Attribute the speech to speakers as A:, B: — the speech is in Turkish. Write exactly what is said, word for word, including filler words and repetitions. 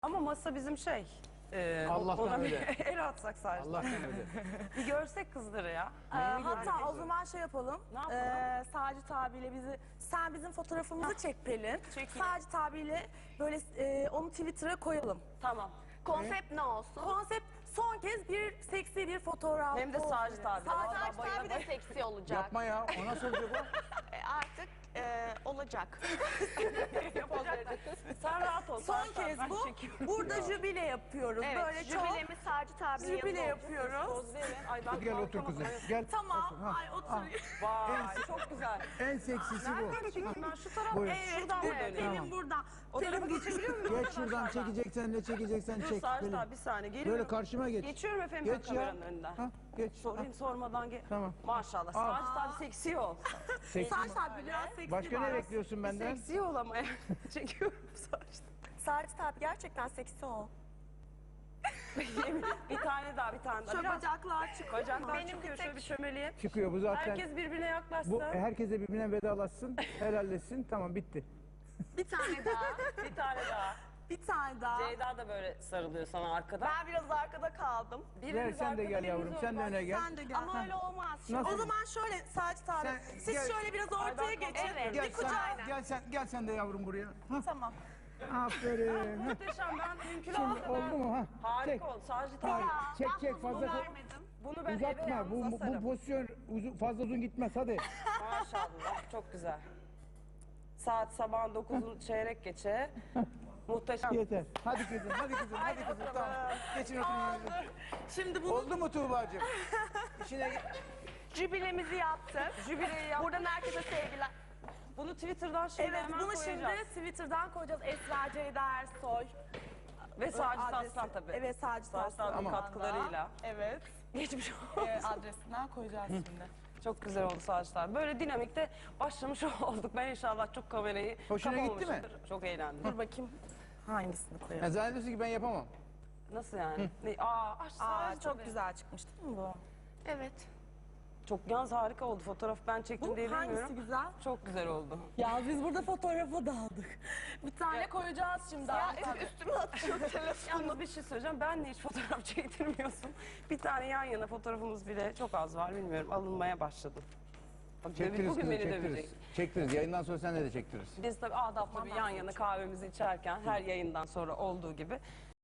A: Ama masa bizim şey. E,
B: Allah'tan
A: ona bir
B: öyle.
A: el atsak sadece.
B: Allah'tan öyle.
A: Bir görsek kızları ya.
C: Ee, hatta o zaman şey yapalım.
A: Ne yapalım?
C: Ee, Sacit abiyle bizi, sen bizim fotoğrafımızı çek Pelin.
A: Çekeyim.
C: Sacit abiyle böyle e, onu Twitter'a koyalım.
A: Tamam.
D: Konsept ne olsun?
C: Konsept son kez bir seksi bir fotoğraf.
A: Hem de Sacit abi.
C: Sacit
D: Sacit
A: bayıla
D: abi de
A: bayıla.
D: seksi olacak.
B: Yapma ya. O nasıl olacak o?
D: E, artık e, olacak.
A: Sen rahat ol.
C: Son
A: Sacit abi,
C: kez
A: ben
C: bu.
A: çekiyorum.
C: Burada jübile yapıyoruz.
D: Evet,
C: böyle çok
D: jübilemiz Sacit abi'nin
C: jübile
D: yanında
C: yapıyoruz.
A: Poz verin. Ay ben
B: Gel otur
A: kalkamam.
B: kızım. Gel.
C: Tamam.
B: Otur, ha.
C: Ay otur.
A: Vay çok güzel.
B: En seksisi bu.
A: Ben şu taraf.
B: Buyur.
C: Evet,
A: Şuradan
C: evet,
A: dönüyorum.
C: Pelin
B: Tamam.
C: burada.
A: O tarafa geçebiliyor muyum?
B: Geç şuradan çekeceksen ne çekeceksen
A: Dur
B: çek.
A: Sacit
B: Pelin.
A: abi bir saniye geliyorum.
B: Böyle karşıma geç.
A: Geçiyorum efendim
B: Geç
A: ben
B: ya.
A: kameranın önünden.
B: Ha, geç.
A: Sorayım sormadan gel.
B: Tamam.
A: Maşallah.
B: Al.
A: Sacit abi seksi ol.
B: Seksi.
C: Sacit abi biraz seksi
B: Başka ne
C: var.
B: bekliyorsun benden?
A: Seksi ol ama çekiyorum Sacit.
C: Sacit abi gerçekten seksi ol.
A: Bir tane daha bir tane daha.
C: Şu
A: Biraz
C: bacaklar çıkıyor.
A: bacaklar
D: Benim
A: çıkıyor
D: bir
A: şöyle
D: tek-
A: bir çömeleyim.
B: Çıkıyor bu zaten.
A: Herkes birbirine yaklaşsın.
B: Bu herkese birbirine vedalaşsın, helalleşsin. Tamam bitti.
C: Bir tane daha.
A: Bir tane daha.
C: Bir tane daha.
A: Ceyda da böyle sarılıyor sana arkadan.
D: Ben biraz arkada kaldım.
A: Biriniz
B: Gel sen de
A: arkada,
B: gel yavrum.
A: biriniz
B: Sen de
A: orada.
B: öne gel.
C: Sen de gel.
D: Ama öyle olmaz. Şimdi
B: Nasıl?
C: O zaman şöyle Sacit abi,
B: Sen
C: siz
B: gel.
C: şöyle biraz
A: Ay,
C: ortaya
A: ben
C: geçin.
A: kalkamam.
D: Evet.
B: Gel
C: Bir kucağa.
B: sen, gel sen, gel sen de yavrum buraya. Ha,
C: Tamam.
B: aferin. Ha.
A: Muhteşem ben mümkün
B: Şimdi
A: oldu.
B: oldu mu ha?
A: Harika
B: Çek.
A: oldu. Sacit
B: Hayır,
A: abi.
B: çek
D: ben
B: çek
D: bunu
B: fazla
D: vermedim.
A: Bunu ben eve
B: uzatma.
A: yalnız
B: Bu, bu
A: asarım.
B: pozisyon uzun, fazla uzun gitmez hadi.
A: Maşallah çok güzel. Saat sabahın dokuzun çeyrek geçe. Muhteşem.
B: Yeter. Hadi kızım, hadi kızım, hadi kızım. Tamam. Geçin oturun yerine.
C: Şimdi bunu
B: Oldu mu Tuğba'cığım? İşine gel.
D: Jübilemizi yaptık.
A: Jübileyi yap.
D: Buradan herkese sevgiler.
A: Bunu Twitter'dan şimdi
C: evet
A: hemen
C: bunu
A: koyacağız.
C: şimdi Twitter'dan koyacağız. Esra Ceyda Ersoy.
A: Ve Sacit
C: Adresi-
A: Aslan tabii.
C: Evet Sacit
A: Sacit
C: Aslan.
A: abinin
B: Tamam.
A: katkılarıyla.
C: Evet.
A: Geçmiş olsun.
C: Ee, adresinden koyacağız şimdi.
A: Çok güzel oldu Sacit abi. Böyle dinamikte başlamış olduk. Ben inşallah çok kamerayı
B: Hoşuna gitti mi?
A: kapamamışımdır. Çok eğlendim.
C: Dur bakayım hangisini koyalım.
B: Ya zannediyorsun ki ben yapamam.
A: Nasıl yani? Ne? Aa, aç
C: Aa
A: Sacit
C: çok
A: abi.
C: güzel çıkmış değil mi bu?
D: Evet.
A: Çok yalnız harika oldu. Fotoğraf ben çektim
C: Bu
A: diye
C: hangisi
A: bilmiyorum.
C: güzel?
A: Çok güzel oldu.
C: Ya biz burada fotoğrafa daldık. Bir tane koyacağız şimdi.
D: Ya
C: Abi.
D: üst- üstüme atıyor telefonu.
A: Yalnız bir şey söyleyeceğim. Ben de hiç fotoğraf çektirmiyorsun. Bir tane yan yana fotoğrafımız bile çok az var. Bilmiyorum. Alınmaya başladım. Bak,
B: Çektiririz
A: bugün
B: kızım,
A: beni
B: çektiririz.
A: dövecek.
B: Çektiririz. Yayından sonra sen de çektiririz.
A: Biz tabii adaplı bir yan yana kahvemizi içerken her yayından sonra olduğu gibi